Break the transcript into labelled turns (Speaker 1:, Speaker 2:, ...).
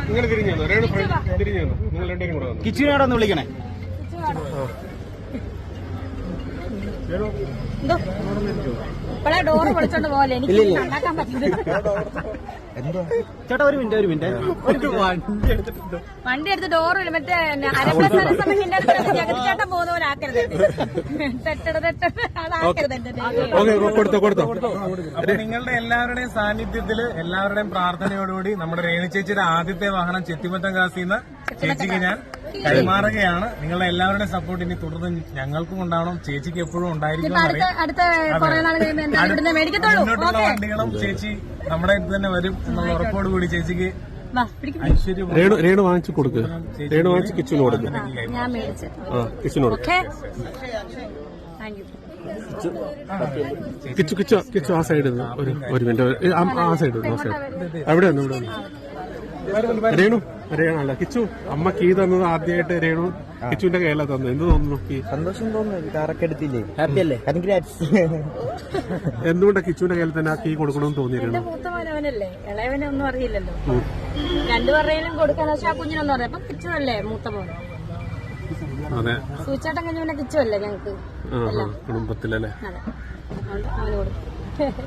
Speaker 1: നിങ്ങൾ തിരിഞ്ഞു രേണു തിരിഞ്ഞു നിങ്ങൾ രണ്ടുപേരും കൂടെ വന്നു.
Speaker 2: കിച്ചുവിനോട് ഒന്ന് വിളിക്കണേ.
Speaker 3: ഇപ്പഴേ ഡോറ് വിളിച്ചോണ്ട് പോലെ എനിക്ക് ഉണ്ടാക്കാൻ പറ്റില്ല.
Speaker 2: ചേട്ടാ ഒരു മിനിറ്റ്
Speaker 3: വണ്ടി എടുത്ത് ഡോറ് മറ്റേ അരപ്പസമയത്തിന്റെ ജഗതിച്ചേട്ടൻ പോകുന്ന പോലെ ആക്കരുത്.
Speaker 1: കൊടുത്തോ.
Speaker 4: അപ്പൊ നിങ്ങളുടെ എല്ലാവരുടെയും സാന്നിധ്യത്തില് എല്ലാവരുടെയും പ്രാർത്ഥനയോടുകൂടി നമ്മുടെ രേണു ചേച്ചിയുടെ ആദ്യത്തെ വാഹനം ചെത്തിമറ്റം കാസിന്ന് ചേച്ചിക്ക് ഞാൻ കൈമാറുകയാണ്. നിങ്ങളുടെ എല്ലാവരുടെയും സപ്പോർട്ട് ഇനി തുടർന്ന് ഞങ്ങൾക്കും ഉണ്ടാവണം, ചേച്ചിക്ക് എപ്പോഴും ഉണ്ടായിരിക്കും. മുന്നോട്ടുള്ള വണ്ടികളും ചേച്ചി നമ്മുടെ അടുത്ത് തന്നെ വരും എന്നുള്ള ഉറപ്പോടുകൂടി ചേച്ചിക്ക് ഐശ്വര്യം
Speaker 1: രേണു വാങ്ങിച്ചു കൊടുക്കുക. രേണു വാങ്ങിച്ച് കിച്ചുവിന് കൊടുക്കുക.
Speaker 3: ഞാൻ മേടിച്ചു
Speaker 1: കിച്ചുവിനോട് കിച്ചു ആ സൈഡിൽ നിന്ന് ഒരു മിനിറ്റ് ആ സൈഡ് അവിടെ വന്നു രേണു അല്ല കിച്ചു അമ്മ കീ തന്നത് ആദ്യമായിട്ട് രേണു കിച്ചുവിന്റെ കയ്യിലാ തന്നത്. എന്ത് തോന്നുന്നു?
Speaker 2: സന്തോഷം തോന്നുന്നു. കാറൊക്കെ എടുത്തില്ലേ? ഹാപ്പി അല്ലേ?
Speaker 1: എന്തുകൊണ്ടാ കിച്ചുവിന്റെ കയ്യിൽ തന്നെ ആ കീ കൊടുക്കണമെന്ന് തോന്നിയിരുന്നു?
Speaker 3: മൂത്ത മോനവനല്ലേ, ഇളയവനെ ഒന്നും അറിയില്ലല്ലോ. രണ്ടുപേരുടെയും കൊടുക്കാന്ന് വെച്ചാൽ ആ കുഞ്ഞിനൊന്നും അറിയാം. അപ്പൊ കിച്ചുവല്ലേ മൂത്ത മോൻ.
Speaker 1: അതെ,
Speaker 3: സൂചേട്ടൻ കഴിഞ്ഞ പിന്നെ കിച്ചുവല്ലേ ഞങ്ങക്ക്
Speaker 1: കുടുംബത്തിലല്ലേ.
Speaker 3: അതെ, അവന് കൊടുക്കും.